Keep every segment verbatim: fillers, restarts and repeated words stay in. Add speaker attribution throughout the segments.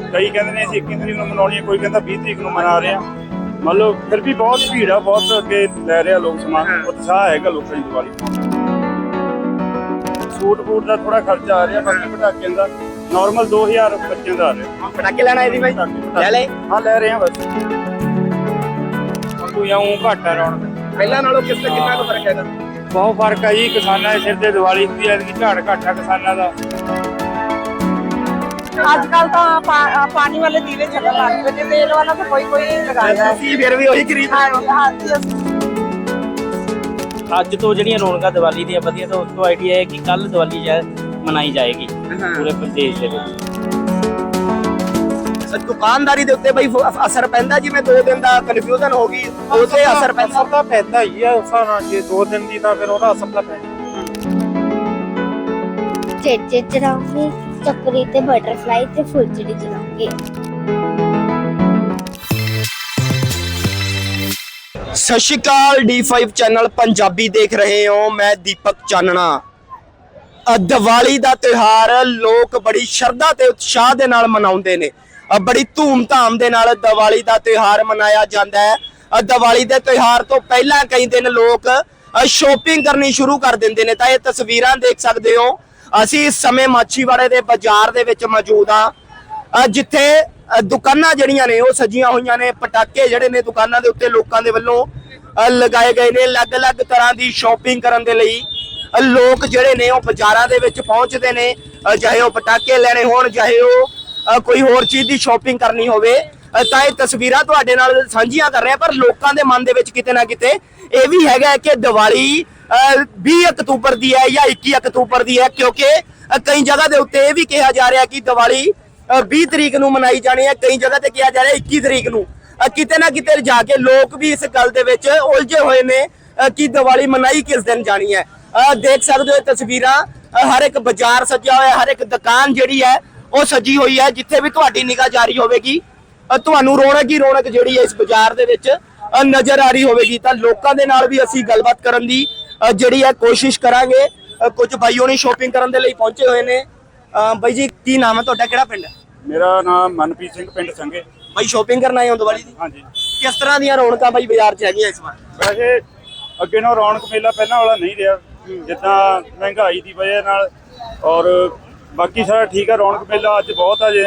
Speaker 1: कई कहते हैं इक्की तरीक ਨੂੰ ਮਨਾਉਣੀ ਹੈ, ਕੋਈ ਕਹਿੰਦਾ ਵੀਹ ਤਰੀਕ ਨੂੰ ਮਨਾ ਰਹੇ ਆ। ਮਤਲਬ ਫਿਰ ਵੀ ਬਹੁਤ ਭੀੜ ਆ, ਬਹੁਤ ਅੱਗੇ ਲੈ ਰਹੇ ਆ ਲੋਕ ਸਮਾਨ, ਉਤਸ਼ਾਹ ਹੈਗਾ ਲੋਕਾਂ ਦੀ ਦੀਵਾਲੀ। ਸੂਟ ਬੂਟ ਦਾ ਥੋੜਾ ਖਰਚਾ ਆ ਰਿਹਾ, ਬਾਕੀ ਪਟਾਕਿਆਂ ਦਾ ਨਾਰਮਲ ਦੋ ਹਜ਼ਾਰ ਬੱਚਿਆਂ ਦਾ ਆ ਰਿਹਾ।
Speaker 2: ਪਟਾਕੇ ਲੈਣਾ ਇਹਦੀ ਬਾਈ ਲੈ ਲੈ
Speaker 1: ਹਾਂ ਲੈ ਰਹੇ ਆ ਬਸ। ਕੋਈ ਆਉਂ ਘੱਟ ਆ ਰੌਣਕ
Speaker 2: ਪਹਿਲਾਂ ਨਾਲੋਂ ਕਿਸ ਤੇ ਕਿੰਨਾ ਕੁ ਫਰਕ ਹੈਗਾ?
Speaker 1: ਬਹੁਤ ਫਰਕ ਆ ਜੀ। ਕਿਸਾਨਾਂ ਦੇ ਸਿਰ ਤੇ ਦੀਵਾਲੀ ਹੁੰਦੀ ਹੈ, ਐਤਕੀ ਝਾੜ ਘੱਟ ਆ ਕਿਸਾਨਾਂ ਦਾ।
Speaker 3: आजकल तो पा, पानी वाले दीवे चलने लग गए, तेल वाला तो कोई कोई लगाया है।
Speaker 2: फिर भी वही खरीद
Speaker 4: ਅੱਜ ਤੋਂ ਜਿਹੜੀਆਂ ਰੌਣਕਾਂ ਦੀਵਾਲੀ ਦੀਆਂ ਵਧੀਆ, ਤਾਂ ਉਸ ਤੋਂ ਆਈਡੀਆ ਹੈ ਕਿ ਕੱਲ ਦੀਵਾਲੀ ਮਨਾਈ ਜਾਏਗੀ ਪੂਰੇ ਪ੍ਰਦੇਸ਼ ਦੇ ਵਿੱਚ।
Speaker 2: ਦੁਕਾਨਦਾਰੀ ਦੇ ਉੱਤੇ ਬਈ ਅਸਰ ਪੈਂਦਾ, ਜਿਵੇਂ ਦੋ ਦਿਨ ਦਾ ਕਨਫਿਊਜ਼ਨ ਹੋ ਗਈ, ਉਹਦੇ ਅਸਰ ਪੈਂਦਾ
Speaker 1: ਤਾਂ ਪੈਂਦਾ ਹੀ ਆ ਉਸ ਨਾਲ। ਜੇ ਦੋ ਦਿਨ ਦੀ ਤਾਂ ਫਿਰ ਉਹਦਾ ਅਸਰ ਤਾਂ ਪੈਂਦਾ।
Speaker 5: ਚੇਚੇ ਚਲਾਉਂਗੀ, ਚੱਕਰੀ ਤੇ ਬਟਰਫਲਾਈ ਤੇ ਫੁੱਲਚੜੀ ਚਲਾਉਂਗੀ।
Speaker 2: ਸਤਿ ਸ਼੍ਰੀ ਅਕਾਲ, ਡੀ ਫਾਈਵ ਚੈਨਲ ਪੰਜਾਬੀ ਦੇਖ ਰਹੇ ਹੋ। ਮੈਂ ਦੀਪਕ ਚਾਨਣਾ। ਦੀਵਾਲੀ ਦਾ ਤਿਉਹਾਰ ਲੋਕ ਬੜੀ ਸ਼ਰਧਾ ਤੇ ਉਤਸ਼ਾਹ ਦੇ ਨਾਲ ਮਨਾਉਂਦੇ ਨੇ। ਬੜੀ ਧੂਮ-ਧਾਮ ਦੇ ਨਾਲ ਦੀਵਾਲੀ ਦਾ ਤਿਉਹਾਰ ਮਨਾਇਆ ਜਾਂਦਾ ਹੈ। ਦੀਵਾਲੀ ਦੇ ਤਿਉਹਾਰ ਤੋਂ ਪਹਿਲਾਂ ਕਈ ਦਿਨ ਲੋਕ ਸ਼ੋਪਿੰਗ ਕਰਨੀ ਸ਼ੁਰੂ ਕਰ ਦਿੰਦੇ ਨੇ। ਤਾਂ ਇਹ ਤਸਵੀਰਾਂ ਦੇਖ ਸਕਦੇ ਹੋ, ਅਸੀਂ ਇਸ ਸਮੇਂ ਮਾਛੀਵਾੜੇ ਦੇ ਬਾਜ਼ਾਰ ਦੇ ਵਿੱਚ ਮੌਜੂਦ ਹਾਂ, ਜਿੱਥੇ ਦੁਕਾਨਾਂ ਜਿਹੜੀਆਂ ਨੇ ਉਹ ਸਜੀਆਂ ਹੋਈਆਂ ਨੇ। ਪਟਾਕੇ ਜਿਹੜੇ ਨੇ ਦੁਕਾਨਾਂ ਦੇ ਉੱਤੇ ਲੋਕਾਂ ਦੇ ਵੱਲੋਂ ਲਗਾਏ ਗਏ ਨੇ। ਅਲੱਗ-ਅਲੱਗ ਤਰ੍ਹਾਂ ਦੀ ਸ਼ੋਪਿੰਗ ਕਰਨ ਦੇ ਲਈ ਲੋਕ ਜਿਹੜੇ ਨੇ ਉਹ ਬਾਜ਼ਾਰਾਂ ਦੇ ਵਿੱਚ ਪਹੁੰਚਦੇ ਨੇ, ਚਾਹੇ ਉਹ ਪਟਾਕੇ ਲੈਣੇ ਹੋਣ, ਚਾਹੇ ਉਹ ਕੋਈ ਹੋਰ ਚੀਜ਼ ਦੀ ਸ਼ੋਪਿੰਗ ਕਰਨੀ ਹੋਵੇ। ਤਾਂ ਇਹ ਤਸਵੀਰਾਂ ਤੁਹਾਡੇ ਨਾਲ ਸਾਂਝੀਆਂ ਕਰ ਰਹੇ ਹਾਂ, ਪਰ ਲੋਕਾਂ ਦੇ ਮਨ ਦੇ ਵਿੱਚ ਕਿਤੇ ਨਾ ਕਿਤੇ ਇਹ ਵੀ ਹੈਗਾ ਕਿ ਦੀਵਾਲੀ ਵੀਹ ਅਕਤੂਬਰ ਦੀ ਹੈ ਜਾਂ ਇੱਕੀ ਅਕਤੂਬਰ ਦੀ ਹੈ, ਕਿਉਂਕਿ ਕਈ ਜਗ੍ਹਾ ਦੇ ਉੱਤੇ ਇਹ ਵੀ ਕਿਹਾ ਜਾ ਰਿਹਾ ਕਿ ਦੀਵਾਲੀ ਵੀਹ ਤਰੀਕ ਨੂੰ ਮਨਾਈ ਜਾਣੀ ਹੈ, ਕਈ ਜਗ੍ਹਾ ਤੇ ਕਿਹਾ ਜਾ ਰਿਹਾ ਇੱਕੀ ਤਰੀਕ ਨੂੰ। ਕਿਤੇ ਨਾ ਕਿਤੇ ਜਾ ਕੇ ਲੋਕ ਵੀ ਇਸ ਗੱਲ ਦੇ ਵਿੱਚ ਉਲਝੇ ਹੋਏ ਨੇ ਕਿ ਦੀਵਾਲੀ ਮਨਾਈ ਕਿਸ ਦਿਨ ਜਾਣੀ ਹੈ। ਦੇਖ ਸਕਦੇ ਹੋ ਤਸਵੀਰਾਂ, ਹਰ ਇੱਕ ਬਾਜ਼ਾਰ ਸਜਿਆ ਹੋਇਆ, ਹਰ ਇੱਕ ਦੁਕਾਨ ਜਿਹੜੀ ਹੈ ਉਹ ਸਜੀ ਹੋਈ ਹੈ। ਜਿੱਥੇ ਵੀ ਤੁਹਾਡੀ ਨਿਗਾਹ ਜਾਰੀ ਹੋਵੇਗੀ, ਤੁਹਾਨੂੰ ਰੌਣਕ ਹੀ ਰੌਣਕ ਜਿਹੜੀ ਹੈ ਇਸ ਬਾਜ਼ਾਰ ਦੇ ਵਿੱਚ ਨਜ਼ਰ ਆ ਰਹੀ ਹੋਵੇਗੀ। ਤਾਂ ਲੋਕਾਂ ਦੇ ਨਾਲ ਵੀ ਅਸੀਂ ਗੱਲਬਾਤ ਕਰਨ ਦੀ ਜਿਹੜੀ ਹੈ ਕੋਸ਼ਿਸ਼ ਕਰਾਂਗੇ। ਕੁਝ ਭਾਈ ਹੋਣੀ ਸ਼ੋਪਿੰਗ ਕਰਨ ਦੇ ਲਈ ਪਹੁੰਚੇ ਹੋਏ ਨੇ। ਬਾਈ ਜੀ ਕੀ ਨਾਮ ਹੈ ਤੁਹਾਡਾ, ਕਿਹੜਾ ਪਿੰਡ ਹੈ?
Speaker 1: ਮੇਰਾ ਨਾਮ ਮਨਪ੍ਰੀਤ ਸਿੰਘ, ਪਿੰਡ ਸੰਘੇ।
Speaker 2: ਬਾਈ ਸ਼ੋਪਿੰਗ ਕਰਨ ਆਏ ਹੋ ਦੀਵਾਲੀ ਦੀ?
Speaker 1: ਹਾਂਜੀ।
Speaker 2: ਕਿਸ ਤਰ੍ਹਾਂ ਦੀਆਂ ਰੌਣਕਾਂ ਬਾਈ ਬਾਜ਼ਾਰ 'ਚ ਹੈਗੀਆਂ ਇਸ ਵਾਰ?
Speaker 1: ਵੈਸੇ ਅੱਗੇ ਨਾਲੋਂ ਰੌਣਕ ਮੇਲਾ ਪਹਿਲਾਂ ਵਾਲਾ ਨਹੀਂ ਰਿਹਾ, ਜਿੱਦਾਂ ਮਹਿੰਗਾਈ ਦੀ ਵਜ੍ਹਾ ਨਾਲ। ਔਰ ਬਾਕੀ ਸਾਰਾ ਠੀਕ ਆ, ਰੌਣਕ ਮੇਲਾ ਅੱਜ ਬਹੁਤ ਆ। ਜੇ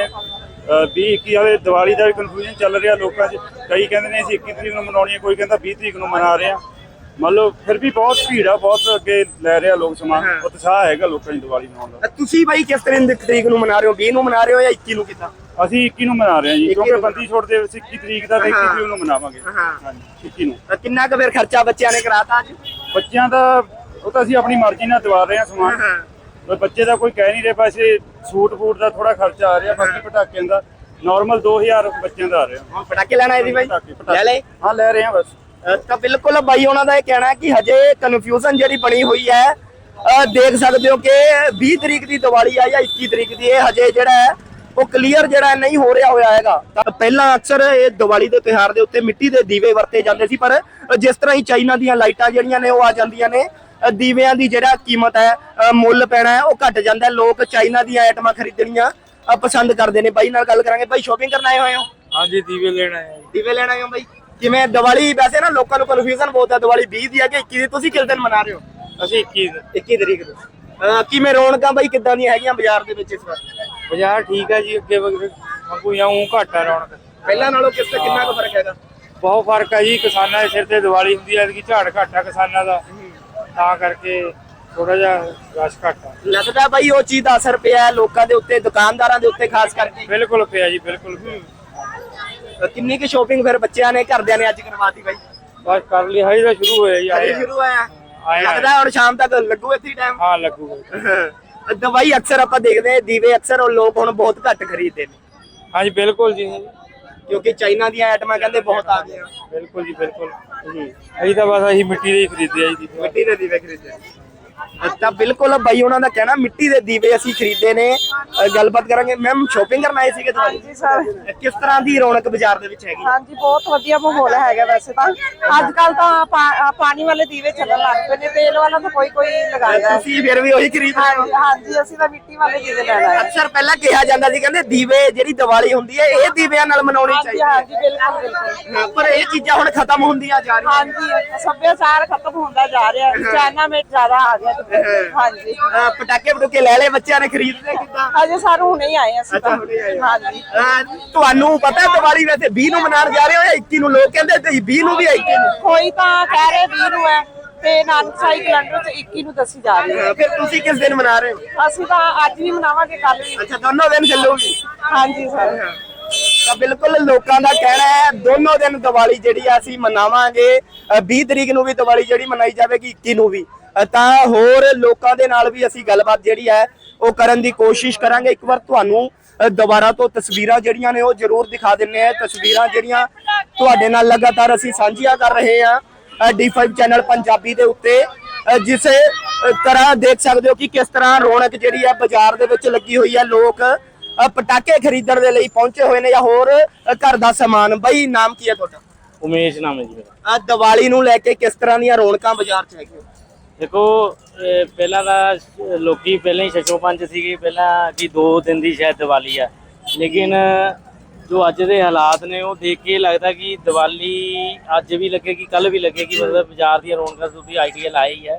Speaker 1: ਵੀਹ ਇੱਕੀ ਵਾਲੇ ਦੀਵਾਲੀ ਦਾ ਵੀ ਕਨਫਿਊਜ਼ਨ ਚੱਲ ਰਿਹਾ ਲੋਕਾਂ 'ਚ। ਕਈ ਕਹਿੰਦੇ ਨੇ ਅਸੀਂ ਇੱਕੀ ਤਰੀਕ ਨੂੰ ਮਨਾਉਣੀ ਹੈ, ਕੋਈ ਕਹਿੰਦਾ ਵੀਹ ਤਰੀਕ ਨੂੰ ਮਨਾ ਰਹੇ ਆ। ਮਤਲਬ ਫਿਰ ਵੀ ਬਹੁਤ ਭੀੜ ਆ, ਬਹੁਤ ਅੱਗੇ ਲੈ ਰਹੇ ਆ ਲੋਕ ਸਮਾਨ, ਉਤਸ਼ਾਹ ਹੈਗਾ ਲੋਕਾਂ ਦੀ ਦੀਵਾਲੀ ਮਨਾਉਣ ਦਾ।
Speaker 2: ਤੁਸੀਂ ਬਾਈ ਕਿਸ ਤਰੀਕ ਨੂੰ ਮਨਾ ਰਹੇ ਹੋ? ਵੀਹ ਨੂੰ ਮਨਾ ਰਹੇ ਹੋ ਜਾਂ ਇੱਕੀ ਨੂੰ? ਕਿੱਦਾਂ?
Speaker 1: ਅਸੀਂ ਇੱਕੀ ਨੂੰ ਮਨਾ ਰਹੇ ਹਾਂ ਜੀ, ਕਿਉਂਕਿ ਬੰਦੀ ਛੋੜ ਦੇ ਵਿੱਚ ਇੱਕੀ ਤਰੀਕ ਦਾ ਤੇ ਇੱਕੀ ਤਰੀਕ ਨੂੰ ਮਨਾਵਾਂਗੇ। ਹਾਂਜੀ ਇੱਕੀ ਨੂੰ।
Speaker 2: ਕਿੰਨਾ ਕੁ ਫਿਰ ਖਰਚਾ ਬੱਚਿਆਂ ਨੇ ਕਰਾਤਾ ਅੱਜ?
Speaker 1: ਬੱਚਿਆਂ ਦਾ ਉਹ ਤਾਂ ਅਸੀਂ ਆਪਣੀ ਮਰਜ਼ੀ ਨਾਲ ਦਿਵਾ ਰਹੇ ਹਾਂ ਸਮਾਨ। ਬੱਚੇ ਦਾ ਕੋਈ ਕਹਿ ਨਹੀਂ ਰਿਹਾ। ਵੈਸੇ ਸੂਟ ਬੂਟ ਦਾ ਥੋੜਾ ਖਰਚਾ ਆ ਰਿਹਾ, ਬਾਕੀ ਪਟਾਕਿਆਂ ਦਾ ਨਾਰਮਲ ਦੋ ਹਜ਼ਾਰ ਬੱਚਿਆਂ ਦਾ ਆ ਰਿਹਾ।
Speaker 2: ਪਟਾਕੇ ਲੈਣਾ ਇਹਦੀ ਬਾਈ ਲੈ ਲੈ
Speaker 1: ਹਾਂ ਲੈ ਰਹੇ ਹਾਂ ਬਸ।
Speaker 2: ਤਾਂ ਬਿਲਕੁਲ ਬਾਈ ਉਹਨਾਂ ਦਾ ਇਹ ਕਹਿਣਾ ਹੈ ਕਿ ਹਜੇ ਕਨਫਿਊਜ਼ਨ ਜਿਹੜੀ ਬਣੀ ਹੋਈ ਹੈ। ਦੇਖ ਸਕਦੇ ਹੋ ਕਿ ਵੀਹ ਤਰੀਕ ਦੀ ਦੀਵਾਲੀ ਆ ਜਾਂ ਇੱਕੀ ਤਰੀਕ ਦੀ, ਇਹ ਹਜੇ ਜਿਹੜਾ ਹੈ ਉਹ ਕਲੀਅਰ ਜਿਹੜਾ ਨਹੀਂ ਹੋ ਰਿਹਾ ਹੋਇਆ ਹੈਗਾ। ਤਾਂ ਪਹਿਲਾਂ ਅਕਸਰ ਇਹ ਦੀਵਾਲੀ ਦੇ ਤਿਉਹਾਰ ਦੇ ਉੱਤੇ ਮਿੱਟੀ ਦੇ ਦੀਵੇ ਵਰਤੇ ਜਾਂਦੇ ਸੀ, ਪਰ ਜਿਸ ਤਰ੍ਹਾਂ ਹੀ ਚਾਈਨਾ ਦੀਆਂ ਲਾਈਟਾਂ ਜਿਹੜੀਆਂ ਨੇ ਉਹ ਆ ਜਾਂਦੀਆਂ ਨੇ, ਦੀਵਿਆਂ ਦੀ ਜਿਹੜਾ ਕੀਮਤ ਹੈ, ਮੁੱਲ ਪੈਣਾ ਹੈ ਉਹ ਘਟ ਜਾਂਦਾ। ਲੋਕ ਚਾਈਨਾ ਦੀਆਂ ਆਈਟਮਾਂ ਖਰੀਦਣੀਆਂ ਪਸੰਦ ਕਰਦੇ ਨੇ। ਬਾਈ ਨਾਲ ਗੱਲ ਕਰਾਂਗੇ। ਬਾਈ ਸ਼ੋਪਿੰਗ ਕਰਨ ਆਏ ਹੋਏ ਹੋ?
Speaker 1: ਹਾਂਜੀ ਦੀਵੇ ਲੈਣ ਆਏ।
Speaker 2: ਦੀਵੇ ਲੈਣ ਆਏ ਹੋ ਬਾਈ? ਜਿਵੇਂ ਦੀਵਾਲੀ ਵੈਸੇ ਨਾ ਲੋਕਾਂ ਨੂੰ ਕਨਫਿਊਜ਼ਨ ਬਹੁਤ ਹੈ, ਦੀਵਾਲੀ ਵੀਹ ਦੀ ਹੈ ਕਿ ਇੱਕੀ ਦੀ, ਤੁਸੀਂ ਕਿਸ ਦਿਨ ਮਨਾ ਰਹੇ ਹੋ?
Speaker 1: ਅਸੀਂ ਇੱਕੀ
Speaker 2: ਇੱਕੀ ਤਰੀਕ ਨੂੰ। ਕਿਵੇਂ ਰੌਣਕਾਂ ਬਾਈ ਕਿੱਦਾਂ ਦੀਆਂ ਹੈਗੀਆਂ ਬਾਜ਼ਾਰ ਦੇ ਵਿੱਚ ਇਸ ਵਾਰ?
Speaker 1: ਬਾਜ਼ਾਰ ਠੀਕ ਹੈ ਜੀ, ਅੱਗੇ ਕੋਈ ਆਉਂ ਘੱਟ ਆ ਰੌਣਕ
Speaker 2: ਪਹਿਲਾਂ ਨਾਲੋਂ ਕਿਸ ਤੇ ਕਿੰਨਾ ਕੁ ਫਰਕ ਹੈਗਾ?
Speaker 1: ਬਹੁਤ ਫਰਕ ਹੈ ਜੀ। ਕਿਸਾਨਾਂ ਦੇ ਸਿਰ ਤੇ ਦੀਵਾਲੀ ਹੁੰਦੀ ਹੈ, ਐਤਕੀ ਝਾੜ ਘੱਟ ਆ ਕਿਸਾਨਾਂ ਦਾ, ਤਾਂ ਕਰਕੇ ਥੋੜਾ ਜਿਹਾ ਰਸ਼ ਘੱਟ ਆ।
Speaker 2: ਲੱਗਦਾ ਬਾਈ ਉਹ ਚੀਜ਼ ਦਾ ਅਸਰ ਪਿਆ ਲੋਕਾਂ ਦੇ ਉੱਤੇ, ਦੁਕਾਨਦਾਰਾਂ ਦੇ ਉੱਤੇ ਖਾਸ ਕਰਕੇ?
Speaker 1: ਬਿਲਕੁਲ ਪਿਆ ਜੀ, ਬਿਲਕੁਲ।
Speaker 2: ਕਿੰਨੀ ਕੁ ਸ਼ੋਪਿੰਗ ਫਿਰ ਬੱਚਿਆਂ ਨੇ ਘਰਦਿਆਂ ਨੇ ਅੱਜ ਕਰਵਾਤੀ ਬਾਈ?
Speaker 1: ਬਸ ਕਰ ਲਈ, ਹਜੇ ਤਾਂ ਸ਼ੁਰੂ ਹੋਇਆ ਜੀ।
Speaker 2: ਹਜੇ ਸ਼ੁਰੂ ਹੋਇਆ? ਲੱਗਦਾ ਹੁਣ ਸ਼ਾਮ ਤੱਕ ਲੱਗੂ ਇੱਥੇ ਟਾਈਮ?
Speaker 1: ਹਾਂ ਲੱਗੂਗਾ।
Speaker 2: ਦਵਾਈ ਅਕਸਰ ਆਪਾਂ ਦੇਖਦੇ ਦੀਵੇ ਅਕਸਰ ਉਹ ਲੋਕ ਹੁਣ ਬਹੁਤ ਘੱਟ ਖਰੀਦਦੇ ਨੇ।
Speaker 1: ਹਾਂਜੀ ਬਿਲਕੁਲ ਜੀ,
Speaker 2: ਕਿਉਂਕਿ ਚਾਈਨਾ ਦੀਆਂ ਆਈਟਮਾਂ ਕਹਿੰਦੇ ਬਹੁਤ ਆ ਗਈਆਂ।
Speaker 1: ਬਿਲकुल जी बिल्कुल। ਅਸੀਂ ਤਾਂ ਬਸ ਅਸੀਂ ਮਿੱਟੀ ਦੇ ਹੀ ਖਰੀਦੇ ਆ ਜੀ,
Speaker 2: ਮਿੱਟੀ ਦੇ ਦੀਵੇ ਖਰੀਦੇ। ਤਾਂ ਬਿਲਕੁਲ ਬਾਈ ਉਹਨਾਂ ਦਾ ਕਹਿਣਾ ਮਿੱਟੀ ਦੇ ਦੀਵੇ ਅਸੀਂ ਖਰੀਦੇ ਨੇ। ਅ, ਗੱਲਬਾਤ ਕਰਾਂਗੇ। ਮੈਮ ਸ਼ਾਪਿੰਗ ਕਰਨ ਆਏ ਸੀਗੇ ਤੁਹਾਡੀ?
Speaker 3: ਹਾਂਜੀ ਸਰ।
Speaker 2: ਕਿਸ ਤਰ੍ਹਾਂ ਦੀ ਰੌਣਕ ਬਾਜ਼ਾਰ ਦੇ ਵਿੱਚ ਹੈਗੀ?
Speaker 3: ਹਾਂਜੀ ਬਹੁਤ ਵਧੀਆ ਮਾਹੌਲ ਹੈਗਾ ਵੈਸੇ ਤਾਂ। ਅੱਜ ਕੱਲ ਤਾਂ ਪਾ- ਪਾਣੀ ਵਾਲੇ ਦੀਵੇ ਚੱਲਣ ਲੱਗ ਪਏ ਨੇ, ਤੇਲ ਵਾਲਾ ਤਾਂ ਕੋਈ ਕੋਈ ਲਗਾਉਂਦਾ ਹੈ।
Speaker 2: ਤੁਸੀਂ ਫਿਰ ਵੀ ਉਹੀ ਖਰੀਦ ਰਹੇ ਹੋ?
Speaker 3: ਹਾਂਜੀ ਹਾਂਜੀ, ਅਸੀਂ ਤਾਂ ਮਿੱਟੀ ਵਾਲੇ ਦੀਵੇ ਲੈਣਾ ਹੈ।
Speaker 2: ਅਕਸਰ ਪਹਿਲਾਂ ਕਿਹਾ ਜਾਂਦਾ ਸੀ ਕਹਿੰਦੇ ਦੀਵੇ ਜਿਹੜੀ ਦੀਵਾਲੀ ਹੁੰਦੀ ਹੈ ਇਹ ਦੀਵਿਆਂ ਨਾਲ ਮਨਾਉਣੀ
Speaker 3: ਹਾਂਜੀ
Speaker 2: ਚਾਹੀਦੀ ਹੈ।
Speaker 3: ਹਾਂਜੀ, ਬਿਲਕੁਲ ਬਿਲਕੁਲ।
Speaker 2: ਹਾਂ, ਪਰ ਇਹ ਚੀਜ਼ਾਂ ਹੁਣ ਖਤਮ ਹੁੰਦੀਆਂ ਜਾ ਰਹੀਆਂ।
Speaker 3: ਹਾਂਜੀ, ਸੱਭਿਆਚਾਰ ਖਤਮ ਹੁੰਦਾ ਜਾ ਰਿਹਾ ਹੈ, ਚਾਈਨਾਮੇਟ ਜ਼ਿਆਦਾ ਆ ਗਿਆ ਤੇ ਹਾਂਜੀ।
Speaker 2: ਅ, ਪਟਾਕੇ ਪਟੂਕੇ ਲੈ ਲਏ ਬੱਚਿਆਂ ਨੇ ਖਰੀਦਦੇ ਕਿੱਦਾਂ?
Speaker 3: ਅਜੇ ਸਰ ਹੁਣੇ ਹੀ ਆਏ ਅਸੀਂ
Speaker 2: ਅੱਛਾ,
Speaker 3: ਤਾਂ।
Speaker 2: ਹੁਣੇ ਆਏ ਹੋ।
Speaker 3: ਹਾਂਜੀ।
Speaker 2: ਅ, ਤੁਹਾਨੂੰ ਪਤਾ ਹੈ ਦੀਵਾਲੀ ਵੈਸੇ ਵੀਹ ਨੂੰ ਮਨਾਉਣ ਜਾ ਰਹੇ ਹੋ ਜਾਂ ਇੱਕੀ ਨੂੰ? ਲੋਕ ਕਹਿੰਦੇ ਤੇ ਵੀਹ ਨੂੰ ਵੀ ਹੈ, ਇੱਕੀ ਨੂੰ।
Speaker 3: ਕੋਈ ਤਾਂ ਕਹਿ ਰਹੇ ਵੀਹ ਨੂੰ ਹੈ ਤੇ ਨਾਨਕ ਸਾਈ ਕੈਲੰਡਰ ਚ ਇੱਕੀ ਨੂੰ ਦੱਸੀ ਜਾ ਰਹੀ ਹੈ।
Speaker 2: ਅ, ਫਿਰ ਤੁਸੀਂ ਕਿਸ ਦਿਨ ਮਨਾ ਰਹੇ ਹੋ?
Speaker 3: ਅਸੀਂ ਤਾਂ ਅੱਜ ਵੀ ਮਨਾਵਾਂਗੇ, ਕੱਲ ਵੀ।
Speaker 2: ਅੱਛਾ, ਦੋਨੋਂ ਦਿਨ ਚੱਲੂਗੀ।
Speaker 3: ਹਾਂਜੀ ਸਰ।
Speaker 2: ਤਾਂ ਬਿਲਕੁਲ ਲੋਕਾਂ ਦਾ ਕਹਿਣਾ ਹੈ ਦੋਨੋਂ ਦਿਨ ਦੀਵਾਲੀ ਜਿਹੜੀ ਆ ਅਸੀਂ ਮਨਾਵਾਂਗੇ। ਅ, ਵੀਹ ਤਰੀਕ ਨੂੰ ਵੀ ਦੀਵਾਲੀ ਜਿਹੜੀ ਮਨਾਈ ਜਾਵੇਗੀ, ਇੱਕੀ ਨੂੰ ਵੀ। ਅ, ਤਾਂ ਹੋਰ ਲੋਕਾਂ ਦੇ ਨਾਲ ਵੀ ਅਸੀਂ ਗੱਲਬਾਤ ਜਿਹੜੀ ਹੈ ਉਹ ਕਰਨ ਦੀ ਕੋਸ਼ਿਸ਼ ਕਰਾਂਗੇ। ਇੱਕ ਵਾਰ ਤੁਹਾਨੂੰ ਅ, ਦੁਬਾਰਾ ਤੋਂ ਤਸਵੀਰਾਂ ਜਿਹੜੀਆਂ ਨੇ ਉਹ ਜ਼ਰੂਰ ਦਿਖਾ ਦਿੰਨੇ ਆ। ਤਸਵੀਰਾਂ ਜਿਹੜੀਆਂ ਤੁਹਾਡੇ ਨਾਲ ਲਗਾਤਾਰ ਅਸੀਂ ਸਾਂਝੀਆਂ ਕਰ ਰਹੇ ਹਾਂ ਡੀ ਫਾਈਵ ਚੈਨਲ ਪੰਜਾਬੀ ਦੇ ਉੱਤੇ। ਅ, ਜਿਸ ਅ, ਤਰ੍ਹਾਂ ਦੇਖ ਸਕਦੇ ਹੋ ਕਿ ਕਿਸ ਤਰ੍ਹਾਂ ਰੌਣਕ ਜਿਹੜੀ ਹੈ ਬਾਜ਼ਾਰ ਦੇ ਵਿੱਚ ਲੱਗੀ ਹੋਈ ਹੈ। ਲੋਕ ਅ, ਪਟਾਕੇ ਖਰੀਦਣ ਦੇ ਲਈ ਪਹੁੰਚੇ ਹੋਏ ਨੇ ਜਾਂ ਹੋਰ ਅ, ਘਰ ਦਾ ਸਮਾਨ। ਬਾਈ ਨਾਮ ਕੀ ਹੈ ਤੁਹਾਡਾ?
Speaker 4: ਉਮੇਸ਼ ਨਾਮ ਹੈ ਜੀ ਮੇਰਾ।
Speaker 2: ਆ ਦੀਵਾਲੀ ਨੂੰ ਲੈ ਕੇ ਕਿਸ ਤਰ੍ਹਾਂ ਦੀਆਂ ਰੌਣਕਾਂ ਬਾਜ਼ਾਰ 'ਚ ਹੈਗੀਆਂ?
Speaker 4: ਦੇਖੋ ਇਹ ਪਹਿਲਾਂ ਤਾਂ ਲੋਕੀ ਪਹਿਲਾਂ ਹੀ ਛੱਛੋ ਪੰਜ ਸੀਗੇ ਪਹਿਲਾਂ ਕਿ ਦੋ ਦਿਨ ਦੀ ਸ਼ਾਇਦ ਦੀਵਾਲੀ ਆ, ਲੇਕਿਨ ਜੋ ਅੱਜ ਦੇ ਹਾਲਾਤ ਨੇ ਉਹ ਦੇਖ ਕੇ ਲੱਗਦਾ ਕਿ ਦੀਵਾਲੀ ਅੱਜ ਵੀ ਲੱਗੇਗੀ, ਕੱਲ ਵੀ ਲੱਗੇਗੀ। ਮਤਲਬ ਬਾਜ਼ਾਰ ਦੀਆਂ ਰੌਣਕਾਂ ਤੁਸੀਂ ਆਈਡੀਆ ਲਾਇਆ ਹੀ ਹੈ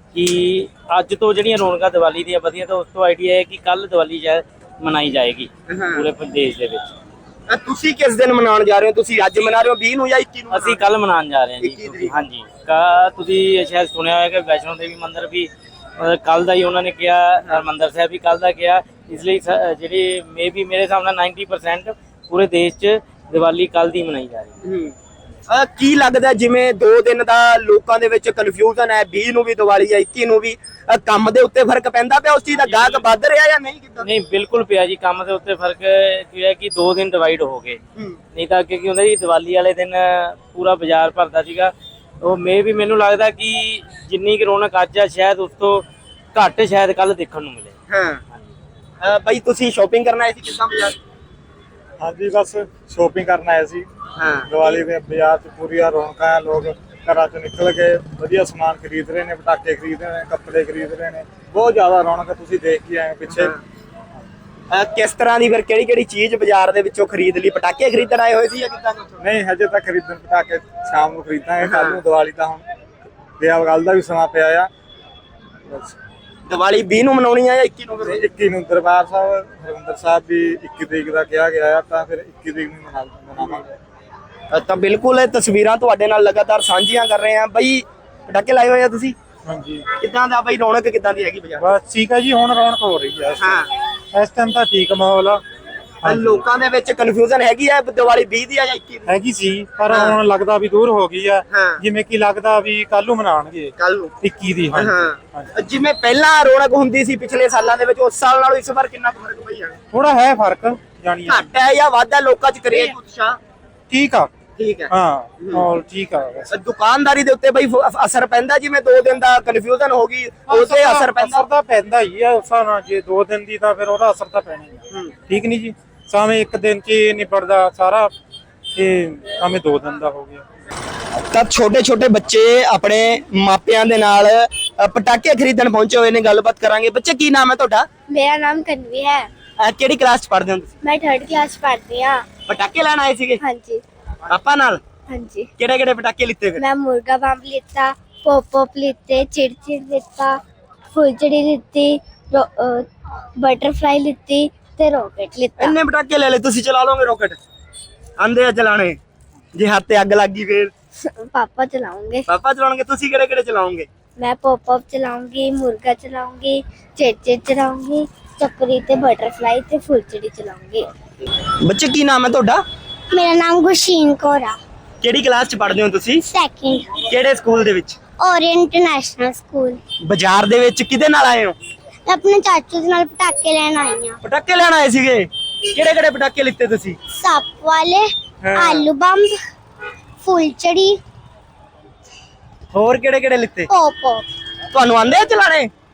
Speaker 4: ਕਿ ਅੱਜ ਤੋਂ ਜਿਹੜੀਆਂ ਰੌਣਕਾਂ ਦੀਵਾਲੀ ਦੀਆਂ ਵਧੀਆਂ, ਤਾਂ ਉਸ ਤੋਂ ਆਈਡੀਆ ਹੈ ਕਿ ਕੱਲ ਦੀਵਾਲੀ ਸ਼ਾਇਦ ਮਨਾਈ ਜਾਏਗੀ ਪੂਰੇ ਪ੍ਰਦੇਸ਼ ਦੇ ਵਿੱਚ।
Speaker 2: ਅ, ਤੁਸੀਂ ਕਿਸ ਦਿਨ ਮਨਾਉਣ ਜਾ ਰਹੇ ਹੋ? ਤੁਸੀਂ ਅੱਜ ਮਨਾ ਰਹੇ ਹੋ ਵੀਹ ਨੂੰ ਜਾਂ ਇੱਕੀ ਨੂੰ?
Speaker 4: ਅਸੀਂ ਕੱਲ ਮਨਾਉਣ ਜਾ ਰਹੇ ਹਾਂ
Speaker 2: ਇੱਕੀ
Speaker 4: ਜੀ।
Speaker 2: ਤਰੀਕ।
Speaker 4: ਹਾਂਜੀ, ਕਾ ਤੁਸੀਂ ਸ਼ਾਇਦ ਸੁਣਿਆ ਹੋਇਆ ਕਿ ਵੈਸ਼ਨੋ ਦੇਵੀ ਮੰਦਿਰ ਵੀ ਕੱਲ ਦਾ ਹੀ ਉਹਨਾਂ ਨੇ ਕਿਹਾ, ਹਰਿਮੰਦਰ ਸਾਹਿਬ ਵੀ ਕੱਲ ਦਾ ਕਿਹਾ। ਇਸ ਲਈ ਸ- ਜਿਹੜੀ ਮੇ ਵੀ ਮੇਰੇ ਹਿਸਾਬ ਨਾਲ ਨੱਬੇ ਪਰਸੈਂਟ ਪੂਰੇ ਦੇਸ਼ 'ਚ ਦੀਵਾਲੀ ਕੱਲ ਦੀ ਮਨਾਈ ਜਾ ਰਹੀ ਹੈ।
Speaker 2: ਹੂੰ। ਅ, ਕੀ ਲੱਗਦਾ ਜਿਵੇਂ ਦੋ ਦਿਨ ਦਾ ਲੋਕਾਂ ਦੇ ਵਿੱਚ ਕਨਫਿਊਜ਼ਨ ਹੈ, ਵੀਹ ਨੂੰ ਵੀ ਦੀਵਾਲੀ ਹੈ, ਇੱਕੀ ਨੂੰ ਵੀ, ਅ, ਕੰਮ ਦੇ ਉੱਤੇ ਫਰਕ ਪੈਂਦਾ ਪਿਆ? ਉਸ ਚੀਜ਼ ਦਾ ਗਾਹਕ ਵੱਧ ਰਿਹਾ ਜਾਂ ਨਹੀਂ? ਕਿੱਦਾਂ?
Speaker 4: ਨਹੀਂ, ਬਿਲਕੁਲ ਪਿਆ ਜੀ। ਕੰਮ ਦੇ ਉੱਤੇ ਫਰਕ ਕੀ ਹੈ ਕਿ ਦੋ ਦਿਨ ਡਿਵਾਈਡ ਹੋ ਗਏ।
Speaker 2: ਹੂੰ।
Speaker 4: ਨਹੀਂ ਤਾਂ ਅੱਗੇ ਕੀ ਹੁੰਦਾ ਜੀ, ਦੀਵਾਲੀ ਵਾਲੇ ਦਿਨ ਪੂਰਾ ਬਾਜ਼ਾਰ ਭਰਦਾ ਸੀਗਾ। ਉਹ ਮੇ ਵੀ ਮੈਨੂੰ ਲੱਗਦਾ ਕਿ ਜਿੰਨੀ ਕੁ ਰੌਣਕ ਅੱਜ ਆ ਸ਼ਾਇਦ ਉਸ ਤੋਂ ਘੱਟ ਸ਼ਾਇਦ ਕੱਲ ਦੇਖਣ ਨੂੰ ਮਿਲੇ।
Speaker 2: ਹਾਂ। ਅ, ਬਾਈ ਤੁਸੀਂ ਸ਼ਾਪਿੰਗ ਕਰਨ ਆਏ ਸੀ ਕਿੱਦਾਂ ਬਾਜ਼ਾਰ?
Speaker 6: ਹਾਂਜੀ, ਬਸ ਸ਼ੋਪਿੰਗ ਕਰਨ ਆਏ ਸੀ।
Speaker 2: ਹਾਂ।
Speaker 6: ਦੀਵਾਲੀ ਦੇ ਬਾਜ਼ਾਰ 'ਚ ਪੂਰੀਆਂ ਰੌਣਕਾਂ ਆ। ਲੋਕ ਘਰਾਂ 'ਚੋਂ ਨਿਕਲ ਕੇ ਵਧੀਆ ਸਮਾਨ ਖਰੀਦ ਰਹੇ ਨੇ, ਪਟਾਕੇ ਖਰੀਦ ਰਹੇ ਨੇ, ਕੱਪੜੇ ਖਰੀਦ ਰਹੇ ਨੇ। ਬਹੁਤ ਜ਼ਿਆਦਾ ਰੌਣਕ ਹੈ, ਤੁਸੀਂ ਦੇਖ ਕੇ ਆਏ ਪਿੱਛੇ।
Speaker 2: ਅ, ਕਿਸ ਤਰ੍ਹਾਂ ਦੀ ਫਿਰ ਕਿਹੜੀ ਕਿਹੜੀ ਚੀਜ਼ ਬਾਜ਼ਾਰ ਦੇ ਵਿੱਚੋਂ ਖਰੀਦ ਲਈ? ਪਟਾਕੇ ਖਰੀਦਣ ਆਏ ਹੋਏ ਸੀ ਜਾਂ ਕਿੱਦਾਂ?
Speaker 6: ਨਹੀਂ, ਹਜੇ ਤੱਕ ਖਰੀਦਣ ਪਟਾਕੇ ਸ਼ਾਮ ਨੂੰ ਖਰੀਦਾਂਗੇ। ਕੱਲ ਨੂੰ ਦੀਵਾਲੀ ਤਾਂ ਹੁਣ ਵਿਆਹ ਗੱਲ ਦਾ ਵੀ ਸਮਾਂ ਪਿਆ ਆ। ਬਸ
Speaker 2: ਦੀਵਾਲੀ ਵੀਹ ਨੂੰ ਮਨਾਉਣੀ ਹੈ ਜਾਂ ਇੱਕੀ ਨੂੰ? ਫਿਰ
Speaker 6: ਇੱਕੀ ਨੂੰ ਦਰਬਾਰ ਸਾਹਿਬ ਹਰਿਮੰਦਰ ਸਾਹਿਬ ਵੀ ਇੱਕੀ ਤਰੀਕ ਦਾ ਕਿਹਾ ਗਿਆ ਆ, ਤਾਂ ਫਿਰ ਇੱਕੀ ਤਰੀਕ ਨੂੰ ਮਨਾ ਮਨਾਵਾਂਗੇ।
Speaker 2: ਅ, ਤਾਂ ਬਿਲਕੁਲ ਇਹ ਤਸਵੀਰਾਂ ਤੁਹਾਡੇ ਨਾਲ ਲਗਾਤਾਰ ਸਾਂਝੀਆਂ ਕਰ ਰਹੇ ਹਾਂ। ਬਾਈ ਪਟਾਕੇ ਲਾਏ ਹੋਏ ਆ ਤੁਸੀਂ?
Speaker 6: ਹਾਂਜੀ,
Speaker 2: ਕਿੱਦਾਂ ਦਾ ਬਾਈ ਰੌਣਕ ਕਿੱਦਾਂ ਦੀ ਹੈਗੀ ਬਾਜ਼ਾਰ?
Speaker 6: ਬਸ ਠੀਕ ਹੈ ਜੀ। ਹੁਣ ਰੌਣਕ ਹੋ ਰਹੀ ਹੈ।
Speaker 2: ਹਾਂ।
Speaker 6: ਇਸ ਟਾਈਮ ਤਾਂ ਠੀਕ ਮਾਹੌਲ ਆ।
Speaker 2: ਅ, ਲੋਕਾਂ ਦੇ ਵਿੱਚ ਕਨਫਿਊਜ਼ਨ ਹੈਗੀ ਹੈ ਦੀਵਾਲੀ ਵੀਹ ਦੀ ਆ ਜਾਂ ਇੱਕੀ ਦੀ?
Speaker 6: ਹੈਗੀ ਸੀ, ਪਰ ਹੁਣ ਲੱਗਦਾ ਵੀ ਦੂਰ ਹੋ ਗਈ ਆ।
Speaker 2: ਹਾਂ।
Speaker 6: ਜਿਵੇਂ ਕਿ ਲੱਗਦਾ ਵੀ ਕੱਲ ਨੂੰ ਮਨਾਉਣਗੇ
Speaker 2: ਕੱਲ ਨੂੰ।
Speaker 6: ਇੱਕੀ ਦੀ। ਹਾਂਜੀ,
Speaker 2: ਹਾਂ। ਜਿਵੇਂ ਪਹਿਲਾਂ ਰੌਣਕ ਹੁੰਦੀ ਸੀ ਪਿਛਲੇ ਸਾਲਾਂ ਦੇ ਵਿੱਚ, ਉਸ ਸਾਲ ਨਾਲੋਂ ਇਸ ਵਾਰ ਕਿੰਨਾ ਕੁ ਫਰਕ ਪਈ ਹੈ?
Speaker 6: ਥੋੜਾ ਹੈ ਫਰਕ ਜਾਣੀ ਆ।
Speaker 2: ਘੱਟ ਹੈ ਜਾਂ ਵੱਧ ਹੈ? ਲੋਕਾਂ 'ਚ ਕਰੇਜ ਉਤਸ਼ਾਹ
Speaker 6: ਠੀਕ ਆ।
Speaker 2: ਠੀਕ ਹੈ।
Speaker 6: ਹਾਂ, ਮਾਹੌਲ ਠੀਕ ਆ ਵੈਸੇ।
Speaker 2: ਦੁਕਾਨਦਾਰੀ ਦੇ ਉੱਤੇ ਬਈ ਫ- ਅਸਰ ਪੈਂਦਾ? ਜਿਵੇਂ ਦੋ ਦਿਨ ਦਾ ਕਨਫਿਊਜ਼ਨ ਹੋ ਗਈ ਉਹਦੇ ਅਸਰ ਪੈਂਦਾ?
Speaker 6: ਅਸਰ ਤਾਂ ਪੈਂਦਾ ਹੀ ਆ ਉਸ ਹਿਸਾਬ ਨਾਲ। ਜੇ ਦੋ ਦਿਨ ਦੀ ਤਾਂ ਫਿਰ ਉਹਦਾ ਅਸਰ ਤਾਂ ਪੈਣਾ ਹੀ ਆ। ਠੀਕ ਨਹੀਂ ਜੀ? ਸਾਵੇਂ ਇੱਕ ਦਿਨ 'ਚ ਹੀ ਨਿਬੜਦਾ ਸਾਰਾ, ਇਹ ਸਾਵੇਂ ਦੋ ਦਿਨ ਦਾ ਹੋ ਗਿਆ।
Speaker 2: ਤਾਂ ਛੋਟੇ ਛੋਟੇ ਬੱਚੇ ਆਪਣੇ ਮਾਪਿਆਂ ਦੇ ਨਾਲ ਅ, ਪਟਾਕੇ ਖਰੀਦਣ ਪਹੁੰਚੇ ਹੋਏ ਨੇ। ਗੱਲਬਾਤ ਕਰਾਂਗੇ। ਬੱਚੇ ਕੀ ਨਾਮ ਹੈ ਤੁਹਾਡਾ?
Speaker 5: मेरा नाम कन्वी है।
Speaker 2: ਅ, ਕਿਹੜੀ ਕਲਾਸ 'ਚ ਪੜ੍ਹਦੇ ਹੋ ਤੁਸੀਂ?
Speaker 5: मैं थर्ड क्लास पढ़ती हूँ।
Speaker 2: ਪਟਾਕੇ ਲੈਣ ਆਏ ਸੀਗੇ
Speaker 5: हाँ जी,
Speaker 2: ਪਾਪਾ ਨਾਲ?
Speaker 5: हाँ जी।
Speaker 2: ਕਿਹੜੇ ਕਿਹੜੇ ਪਟਾਕੇ ਲਿੱਤੇ ਫਿਰ?
Speaker 5: मैं मुर्गा बम लिता, पॉप पॉप लिते, चिड़चिड़ लिता, फुलझड़ी लिती, बटरफ्लाई लिती ते रॉकेट लिता।
Speaker 2: ਇੰਨੇ ਪਟਾਕੇ ਲੈ ਲੈ ਤੁਸੀਂ? ਚਲਾ ਲੋਗੇ ਰੋਕਟ? ਆਂਦੇ ਆ ਚਲਾਣੇ? ਜੇ ਹੱਥ ਤੇ ਅੱਗ ਲੱਗ ਗਈ ਫਿਰ?
Speaker 5: पापा चलाऊंगे।
Speaker 2: ਪਾਪਾ ਚਲਾਉਣਗੇ। ਤੁਸੀਂ ਕਿਹੜੇ ਕਿਹੜੇ ਚਲਾਓਗੇ?
Speaker 5: मैं पॉप पॉप चलाऊंगी, मुर्गा चलाऊंगी, चिड़चिड़ चलाऊंगी, चक्री ते बटरफ्लाई ते फुलझड़ी चलाऊंगी।
Speaker 2: ਬੱਚੇ ਕੀ ਨਾਮ ਹੈ ਤੁਹਾਡਾ?
Speaker 5: मेरा नाम गुरशीन कौर है।
Speaker 2: ਕਿਹੜੀ ਕਲਾਸ 'ਚ ਪੜ੍ਹਦੇ ਹੋ ਤੁਸੀਂ?
Speaker 5: सेकंड
Speaker 2: ਕਿਹੜੇ ਸਕੂਲ ਦੇ ਵਿੱਚ?
Speaker 5: Orient International school.
Speaker 2: ਬਾਜ਼ਾਰ ਦੇ ਵਿੱਚ ਕਿਹਦੇ ਨਾਲ ਆਏ ਹੋ?
Speaker 5: मैं अपने चाचू दे नाल पटाके लेन आई हां।
Speaker 2: ਪਟਾਕੇ ਲੈਣ ਆਏ ਸੀਗੇ? ਕਿਹੜੇ ਕਿਹੜੇ ਪਟਾਕੇ ਲਿੱਤੇ ਤੁਸੀਂ?
Speaker 5: सप वाले,
Speaker 2: हाँ।
Speaker 5: आलू बम, फुलझड़ी,
Speaker 2: ਹੋਰ ਕਿਹੜੇ ਕਿਹੜੇ ਲਿੱਤੇ?
Speaker 5: Pop pop.
Speaker 2: ਤੁਹਾਨੂੰ ਆਂਦੇ ਆ ਚਲਾਣੇ?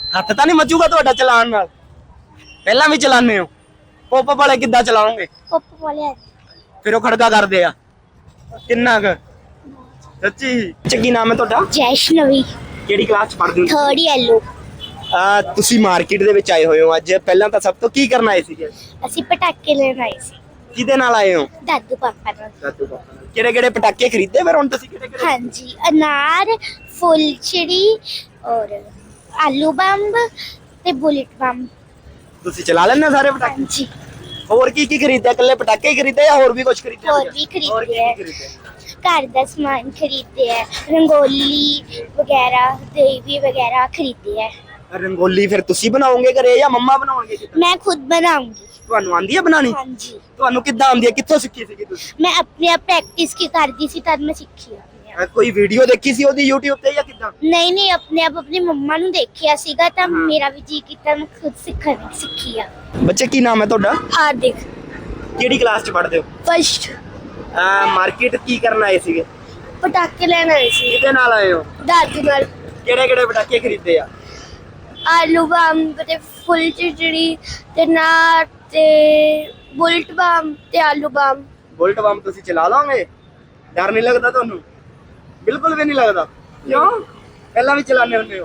Speaker 2: ਹੱਥ ਤਾਂ ਨਹੀਂ ਮੱਚੂਗਾ ਤੁਹਾਡਾ ਚਲਾਉਣ ਨਾਲ? ਪਹਿਲਾਂ ਵੀ ਚਲਾਉਂਦੇ ਹੋ? ਪੋਪ ਵਾਲੇ ਕਿੱਦਾਂ ਚਲਾਓਗੇ?
Speaker 5: ਪੱਪ ਵਾਲੇ
Speaker 2: ਫਿਰ ਉਹ ਖੜਕਾ ਕਰਦੇ ਆ ਕਿੰਨਾ ਕੁ? ਸੱਚੀ? ਕੀ ਨਾਮ ਹੈ ਤੁਹਾਡਾ?
Speaker 5: ਜੈਸ਼ਨਵੀ
Speaker 2: ਕਿਹੜੀ ਕਲਾਸ ਚ ਪੜ੍ਹਦੇ ਹੋ?
Speaker 5: Third yellow.
Speaker 2: ਆ ਤੁਸੀਂ ਮਾਰਕੀਟ ਦੇ ਵਿੱਚ ਆਏ ਹੋਏ ਹੋ ਅੱਜ। ਪਹਿਲਾਂ ਤਾਂ ਸਭ ਤੋਂ ਕੀ ਕਰਨ ਆਏ ਸੀਗੇ?
Speaker 5: ਅਸੀਂ ਪਟਾਕੇ ਲੈਣ ਆਏ ਸੀ
Speaker 2: ਕਿਹਦੇ ਨਾਲ ਆਏ ਹੋ?
Speaker 5: ਦਾਦੂ ਪਾਪਾ ਨਾਲ।
Speaker 2: ਕਿਹੜੇ ਕਿਹੜੇ ਪਟਾਕੇ ਖਰੀਦੇ ਫਿਰ ਹੁਣ ਤੁਸੀਂ? ਕਿਹੜੇ ਕਿਹੜੇ?
Speaker 5: ਹਾਂਜੀ, ਅਨਾਰ, ਫੁੱਲਚੜੀ ਔਰ ਆਲੂ ਬੰਬ ਤੇ ਬੁਲਟ ਬੰਬ।
Speaker 2: ਤੁਸੀਂ ਚਲਾ ਲੈਣੇ ਸਾਰੇ ਪਟਾਕੇ?
Speaker 5: ਹਾਂਜੀ,
Speaker 2: ਹੋਰ ਕੀ ਕੀ ਖਰੀਦਿਆ? ਇਕੱਲੇ ਪਟਾਕੇ ਹੀ ਖਰੀਦੇ ਜਾਂ ਹੋਰ ਵੀ ਕੁਝ ਖਰੀਦਿਆ?
Speaker 5: ਹੋਰ ਵੀ ਖਰੀਦੇ
Speaker 2: ਹੋਰ ਕੀ
Speaker 5: ਹੈ।
Speaker 2: ਕੀ ਖਰੀਦਿਆ?
Speaker 5: ਘਰ ਦਾ ਸਮਾਨ ਖਰੀਦੇ ਹੈ, ਰੰਗੋਲੀ ਵਗੈरह, ਦੇਵੀ ਵਗੈरह ਖਰੀਦੇ ਹੈ।
Speaker 2: ਰੰਗੋਲੀ ਫਿਰ ਤੁਸੀਂ ਬਣਾਓਗੇ ਘਰੇ ਜਾਂ ਮੰਮਾ ਬਣਾਉਣਗੇ?
Speaker 5: ਮੈਂ ਖੁਦ ਬਣਾਉਂਗੀ।
Speaker 2: ਤੁਹਾਨੂੰ ਆਂਦੀ ਹੈ ਬਣਾਣੀ?
Speaker 5: ਹਾਂਜੀ,
Speaker 2: ਤੁਹਾਨੂੰ ਕਿੱਦਾਂ ਆਉਂਦੀ ਹੈ? ਕਿੱਥੋਂ ਸਿੱਖੀ ਸੀਗੀ ਤੁਸੀਂ?
Speaker 5: ਮੈਂ ਆਪਣੇ ਆਪ ਪ੍ਰੈਕਟਿਸ ਕੀ ਕਰਦੀ ਸੀ ਤਦ ਮੈਂ ਸਿੱਖੀ ਆਪਣੇ ਆਪ।
Speaker 2: ਅਹ ਕੋਈ ਵੀਡੀਓ ਦੇਖੀ ਸੀ ਉਹਦੀ YouTube ਤੇ ਜਾਂ ਕਿੱਦਾਂ?
Speaker 5: ਨਹੀਂ ਨਹੀਂ, ਆਪਣੇ ਆਪ ਆਪਣੀ ਮੰਮਾ ਨੂੰ ਦੇਖਿਆ ਸੀਗਾ ਤਾਂ ਮੇਰਾ ਵੀ ਜੀ ਕੀਤਾ, ਮੈਂ ਖੁਦ ਸਿੱਖਣ ਸਿੱਖੀ ਆ।
Speaker 2: ਬੱਚੇ ਕੀ ਨਾਮ ਹੈ ਤੁਹਾਡਾ?
Speaker 5: ਹਾਰਦਿਕ।
Speaker 2: ਕਿਹੜੀ ਕਲਾਸ ਚ ਪੜ੍ਹਦੇ ਹੋ?
Speaker 5: ਫਸਟ।
Speaker 2: ਮਾਰਕੀਟ ਕੀ ਕਰਨ ਆਏ ਸੀਗੇ?
Speaker 5: ਪਟਾਕੇ ਲੈਣ ਆਏ ਸੀ
Speaker 2: ਕਿਹਦੇ ਨਾਲ ਆਏ ਹੋ?
Speaker 5: ਦਾਦੂ ਨਾਲ।
Speaker 2: ਕਿਹੜੇ ਕਿਹੜੇ ਪਟਾਕੇ ਖਰੀਦੇ ਆ?
Speaker 5: ਆਲੂ ਬੰਬ ਤੇ ਫੁੱਲ ਚਿੜੀ ਤੇ ਨਾਰ ਤੇ ਬੁਲਟ ਬੰਬ ਤੇ ਆਲੂ ਬੰਬ।
Speaker 2: ਬੁਲਟ ਬੰਬ ਤੁਸੀਂ ਚਲਾ ਲਓਗੇ? ਡਰ ਨਹੀਂ ਲੱਗਦਾ ਤੁਹਾਨੂੰ? ਬਿਲਕੁਲ ਵੀ ਨਹੀਂ ਲੱਗਦਾ? ਕਿਉਂ? ਪਹਿਲਾਂ ਵੀ ਚਲਾਉਂਦੇ ਹੁੰਦੇ ਹੋ?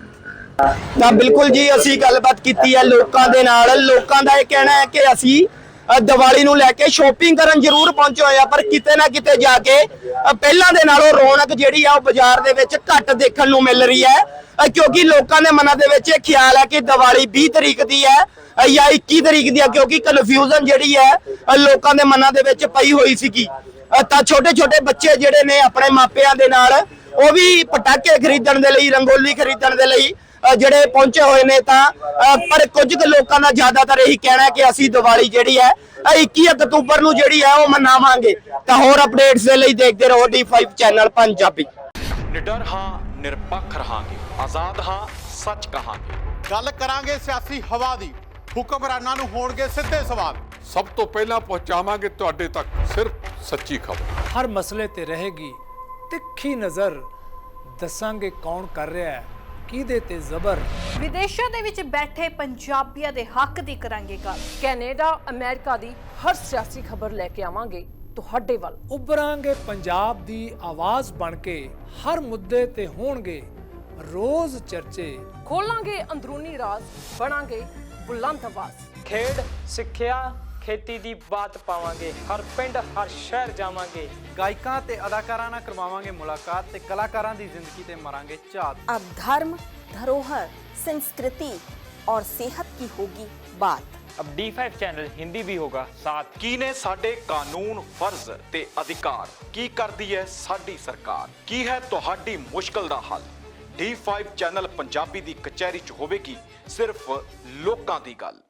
Speaker 2: ਤਾਂ ਬਿਲਕੁਲ ਜੀ, ਅਸੀਂ ਗੱਲਬਾਤ ਕੀਤੀ ਹੈ ਲੋਕਾਂ ਦੇ ਨਾਲ। ਲੋਕਾਂ ਦਾ ਇਹ ਕਹਿਣਾ ਹੈ ਕਿ ਅਸੀਂ ਅ, ਦੀਵਾਲੀ ਨੂੰ ਲੈ ਕੇ ਸ਼ੋਪਿੰਗ ਕਰਨ ਜ਼ਰੂਰ ਪਹੁੰਚੇ ਹੋਏ ਆ, ਪਰ ਕਿਤੇ ਨਾ ਕਿਤੇ ਜਾ ਕੇ ਅ, ਪਹਿਲਾਂ ਦੇ ਨਾਲੋਂ ਰੌਣਕ ਜਿਹੜੀ ਆ ਉਹ ਬਾਜ਼ਾਰ ਦੇ ਵਿੱਚ ਘੱਟ ਦੇਖਣ ਨੂੰ ਮਿਲ ਰਹੀ ਹੈ, ਅ, ਕਿਉਂਕਿ ਲੋਕਾਂ ਦੇ ਮਨਾਂ ਦੇ ਵਿੱਚ ਇਹ ਖਿਆਲ ਹੈ ਕਿ ਦੀਵਾਲੀ ਵੀਹ ਤਰੀਕ ਦੀ ਹੈ ਅ, ਜਾਂ ਇੱਕੀ ਤਰੀਕ ਦੀ ਹੈ, ਕਿਉਂਕਿ ਕਨਫਿਊਜ਼ਨ ਜਿਹੜੀ ਹੈ ਅ, ਲੋਕਾਂ ਦੇ ਮਨਾਂ ਦੇ ਵਿੱਚ ਪਈ ਹੋਈ ਸੀਗੀ। ਅ, ਤਾਂ ਛੋਟੇ ਛੋਟੇ ਬੱਚੇ ਜਿਹੜੇ ਨੇ ਆਪਣੇ ਮਾਪਿਆਂ ਦੇ ਨਾਲ ਉਹ ਵੀ ਪਟਾਕੇ ਖਰੀਦਣ ਦੇ ਲਈ, ਰੰਗੋਲੀ ਖਰੀਦਣ ਦੇ ਲਈ ਅ, ਜਿਹੜੇ ਪਹੁੰਚੇ ਹੋਏ ਨੇ। ਤਾਂ ਅ, ਪਰ ਕੁਝ ਕੁ ਲੋਕਾਂ ਦਾ ਜ਼ਿਆਦਾਤਰ ਇਹੀ ਕਹਿਣਾ ਹੈ ਕਿ ਅਸੀਂ ਦੀਵਾਲੀ ਜਿਹੜੀ ਹੈ ਅ, ਇੱਕੀ ਅਕਤੂਬਰ ਨੂੰ ਜਿਹੜੀ ਹੈ ਉਹ ਮਨਾਵਾਂਗੇ। ਤਾਂ ਹੋਰ ਅਪਡੇਟਸ ਦੇ ਲਈ ਦੇਖਦੇ ਰਹੋ ਡੀ ਫਾਈਵ ਚੈਨਲ ਪੰਜਾਬੀ।
Speaker 7: ਨਿਡਰ ਹਾਂ, ਨਿਰਪੱਖ ਰਹਾਂਗੇ, ਆਜ਼ਾਦ ਹਾਂ, ਸੱਚ ਕਹਾਂਗੇ।
Speaker 8: ਗੱਲ ਕਰਾਂਗੇ ਸਿਆਸੀ ਹਵਾ ਦੀ, ਹੁਕਮਰਾਨਾਂ ਨੂੰ ਹੋਣਗੇ ਸਿੱਧੇ ਸਵਾਲ।
Speaker 9: ਸਭ ਤੋਂ ਪਹਿਲਾਂ ਪਹੁੰਚਾਵਾਂਗੇ ਤੁਹਾਡੇ ਤੱਕ ਸਿਰਫ ਸੱਚੀ ਖਬਰ।
Speaker 10: ਹਰ ਮਸਲੇ ਤੇ ਰਹੇਗੀ ਤਿੱਖੀ ਨਜ਼ਰ, ਦੱਸਾਂਗੇ ਕੌਣ ਕਰ ਰਿਹਾ ਹੈ ਕਿਹਦੇ ਤੇ ਜ਼ਬਰ।
Speaker 11: ਵਿਦੇਸ਼ਾਂ ਦੇ ਵਿੱਚ ਬੈਠੇ ਪੰਜਾਬੀਆਂ ਦੇ ਹੱਕ ਦੀ ਕਰਾਂਗੇ ਗੱਲ। ਕੈਨੇਡਾ, ਅਮਰੀਕਾ ਦੀ ਹਰ ਸਿਆਸੀ ਖਬਰ ਲੈ ਕੇ ਆਵਾਂਗੇ ਤੁਹਾਡੇ ਵੱਲ।
Speaker 10: ਉਭਰਾਂਗੇ ਪੰਜਾਬ ਦੀ ਆਵਾਜ਼ ਬਣ ਕੇ, ਹਰ ਮੁੱਦੇ ਤੇ ਹੋਣਗੇ ਰੋਜ਼ ਚਰਚੇ।
Speaker 11: ਖੋਲਾਂਗੇ ਅੰਦਰੂਨੀ ਰਾਜ਼, ਬਣਾਂਗੇ ਬੁਲੰਦ ਆਵਾਜ਼।
Speaker 4: ਖੇਡ, ਸਿੱਖਿਆ, ਖੇਤੀ ਦੀ ਬਾਤ ਪਾਵਾਂਗੇ, ਹਰ ਪਿੰਡ ਹਰ ਸ਼ਹਿਰ ਜਾਵਾਂਗੇ।
Speaker 6: ਗਾਇਕਾਂ ਤੇ ਅਦਾਕਾਰਾਂ ਨਾਲ ਕਰਵਾਵਾਂਗੇ ਮੁਲਾਕਾਤ ਤੇ ਕਲਾਕਾਰਾਂ ਦੀ ਜ਼ਿੰਦਗੀ ਤੇ ਮਾਰਾਂਗੇ ਝਾਤ।
Speaker 11: अब धर्म, धरोहर, संस्कृति और सेहत की होगी बात।
Speaker 4: अब डी फाइव चैनल हिंदी भी होगा साथ।
Speaker 7: ਕੀ ਨੇ ਸਾਡੇ ਕਾਨੂੰਨ, ਫਰਜ਼ ਤੇ ਅਧਿਕਾਰ? ਕੀ ਕਰਦੀ ਹੈ ਸਾਡੀ ਸਰਕਾਰ? ਕੀ ਹੈ ਤੁਹਾਡੀ ਮੁਸ਼ਕਲ ਦਾ ਹੱਲ? ਡੀ ਫਾਈਵ ਚੈਨਲ ਪੰਜਾਬੀ ਦੀ ਕਚਹਿਰੀ 'ਚ ਹੋਵੇਗੀ ਸਿਰਫ ਲੋਕਾਂ ਦੀ ਗੱਲ।